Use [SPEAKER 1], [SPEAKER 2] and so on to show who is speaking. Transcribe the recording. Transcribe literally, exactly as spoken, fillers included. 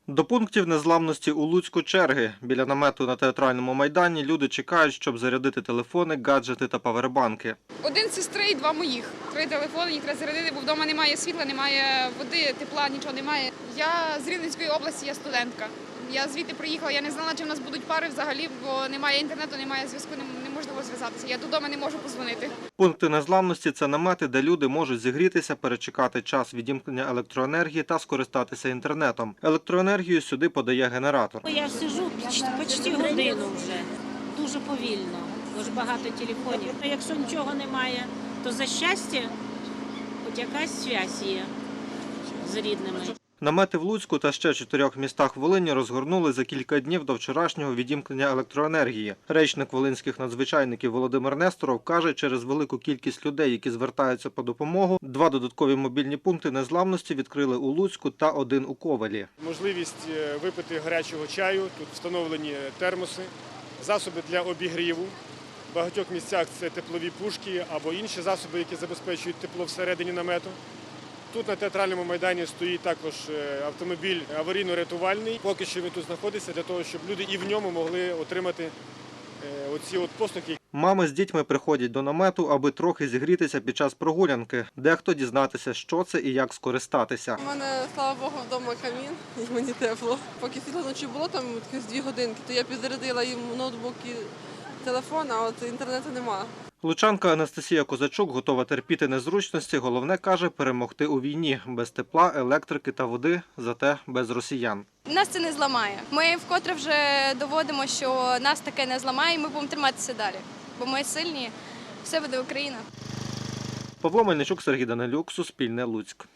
[SPEAKER 1] До пунктів незламності у Луцьку черги. Біля намету на Театральному майдані люди чекають, щоб зарядити телефони, гаджети та павербанки.
[SPEAKER 2] Один сестри і два моїх. Три телефони, їх треба зарядити, бо вдома немає світла, немає води, тепла, нічого немає. Я з Рівненської області, я студентка. Я звідти приїхала, я не знала, чи в нас будуть пари взагалі, бо немає інтернету, немає зв'язку, неможливо зв'язатися. Я додому не можу подзвонити.
[SPEAKER 1] Пункти незламності – це намети, де люди можуть зігрітися, перечекати час відімкнення електроенергії та скористатися інтернетом. Електроенергію сюди подає генератор.
[SPEAKER 3] Я сижу почти годину вже, дуже повільно, дуже багато телефонів. А якщо нічого немає, то за щастя, хоч якась зв'язь є з рідними.
[SPEAKER 1] Намети в Луцьку та ще чотирьох містах Волині розгорнули за кілька днів до вчорашнього відімкнення електроенергії. Речник волинських надзвичайників Володимир Несторов каже, через велику кількість людей, які звертаються по допомогу, два додаткові мобільні пункти незламності відкрили у Луцьку та один у Ковелі.
[SPEAKER 4] Можливість випити гарячого чаю, тут встановлені термоси, засоби для обігріву. В багатьох місцях це теплові пушки або інші засоби, які забезпечують тепло всередині намету. Тут на Театральному майдані стоїть також автомобіль аварійно-рятувальний. Поки що він тут знаходиться для того, щоб люди і в ньому могли отримати оці от послуги.
[SPEAKER 1] Мами з дітьми приходять до намету, аби трохи зігрітися під час прогулянки. Дехто дізнатися, що це і як скористатися.
[SPEAKER 5] У мене, слава Богу, вдома камін, і мені тепло. Поки світло ночі було, там якісь дві годинки, то я підзарядила їм ноутбук і телефон, а от інтернету немає.
[SPEAKER 1] Лучанка Анастасія Козачук готова терпіти незручності, головне, каже, перемогти у війні. Без тепла, електрики та води, зате без росіян.
[SPEAKER 6] Нас це не зламає. Ми вкотре вже доводимо, що нас таке не зламає, і ми будемо триматися далі. Бо ми сильні, все буде Україна.
[SPEAKER 1] Павло Мельничук, Сергій Данилюк, Суспільне, Луцьк.